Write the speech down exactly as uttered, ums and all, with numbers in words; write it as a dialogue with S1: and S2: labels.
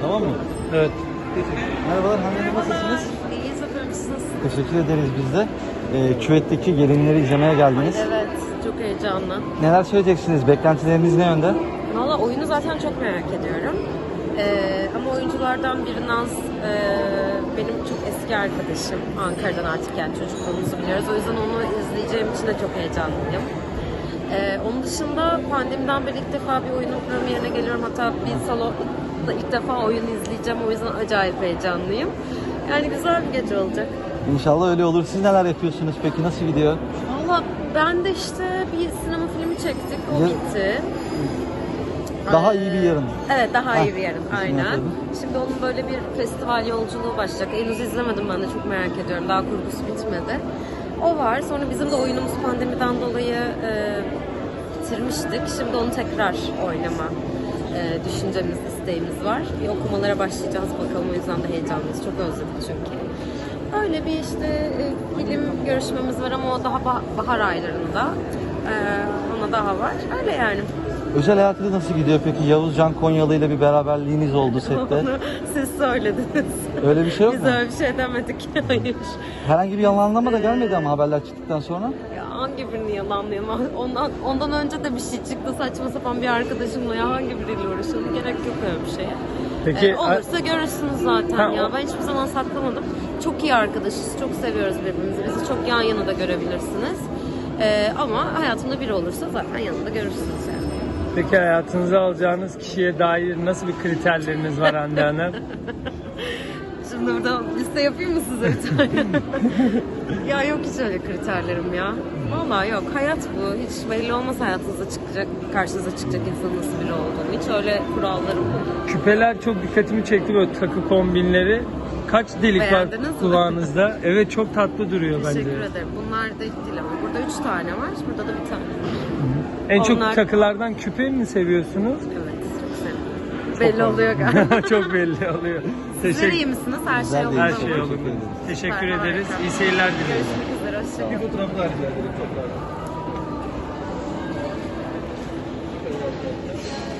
S1: Tamam mı?
S2: Evet.
S1: Merhabalar Hande Hanım, nasılsınız?
S3: İyiyiz efendim, siz nasılsınız?
S1: Teşekkür ederiz biz de. Ee, küvetteki gelinleri izlemeye geldiniz.
S3: Evet, çok heyecanlı.
S1: Neler söyleyeceksiniz? Beklentileriniz ne yönde?
S3: Valla oyunu zaten çok merak ediyorum. Ee, ama oyunculardan biri Naz, e, benim çok eski arkadaşım. Ankara'dan artık, yani çocukluğumuzu biliyoruz. O yüzden onu izleyeceğim için de çok heyecanlıyım. Ee, onun dışında pandemiden beri ilk defa bir oyunun premierine geliyorum. Hatta bir salonda ilk defa oyun izleyeceğim. O yüzden acayip heyecanlıyım. Yani güzel bir gece olacak.
S1: İnşallah öyle olur. Siz neler yapıyorsunuz peki? Nasıl gidiyor?
S3: Valla ben de işte bir sinema filmi çektik. O
S1: Ya-
S3: bitti.
S1: Daha
S3: Ee,
S1: iyi bir yarın.
S3: Evet, daha
S1: Heh,
S3: iyi bir yarın.
S1: kesin
S3: Aynen.
S1: yapalım.
S3: Şimdi onun böyle bir festival yolculuğu başlayacak. Henüz izlemedim, ben de çok merak ediyorum. Daha kurgusu bitmedi. O var. Sonra bizim de oyunumuz pandemiden dolayı e, bitirmiştik. Şimdi onu tekrar oynama e, düşüncemiz, isteğimiz var. Bir okumalara başlayacağız bakalım. O yüzden de heyecanlıyız. Çok özledik çünkü. Öyle bir işte e, film görüşmemiz var ama o daha bah- bahar aylarında. E, ona daha var. Öyle yani.
S1: Özel hayatınız nasıl gidiyor peki? Yavuz Can Konyalı ile bir beraberliğiniz oldu sette.
S3: Onu siz söylediniz.
S1: Öyle bir şey yok
S3: Biz
S1: mu?
S3: öyle bir şey demedik. Hayır.
S1: Herhangi bir yalanlama da gelmedi ama haberler çıktıktan sonra.
S3: Ya hangi birini yalanlayayım? Ondan, ondan önce de bir şey çıktı saçma sapan bir arkadaşımla. Ya hangi biriyle uğraşalım? Gerek yok öyle bir şeye.
S2: Peki
S3: Ee, olursa görürsünüz zaten
S2: Ha,
S3: ya.
S2: o-
S3: Ben hiçbir zaman saklamadım. Çok iyi arkadaşız. Çok seviyoruz birbirimizi. Bizi çok yan yana da görebilirsiniz. Ee, ama hayatımda biri olursa zaten yanında görürsünüz yani.
S2: peki hayatınıza alacağınız kişiye dair nasıl bir kriterleriniz var Hande Hanım?
S3: Şimdi burada liste yapayım mı size bir tane? Ya yok hiç öyle kriterlerim ya. Vallahi yok. Hayat bu. Hiç belli olmaz hayatınıza çıkacak, karşınıza çıkacak insanın nasıl biri olduğunu. Hiç öyle kurallarım yok.
S2: Küpeler çok dikkatimi çekti, böyle takı kombinleri. Kaç delik
S3: Beğendiniz
S2: var
S3: mi?
S2: kulağınızda? Evet, çok tatlı duruyor bence.
S3: Teşekkür ederim. Bunlar da değil ama burada üç tane var. Burada da bir tane.
S2: En çok
S3: Onlar-
S2: takılardan küpe mi seviyorsunuz?
S3: Evet, çok sevindim. Belli oluyor galiba.
S2: Çok belli oluyor.
S3: Sizler iyi misiniz? Her şey
S1: Güzel
S3: yolunda
S2: Her
S3: mı?
S2: şey
S1: Teşekkür
S2: yolunda.
S1: ederiz.
S2: Teşekkür
S3: Süper,
S2: ederiz.
S3: harika.
S2: İyi seyirler diliyoruz.
S3: Görüşmek üzere. Hoşçakalın.
S1: fotoğrafı daha rica ederim.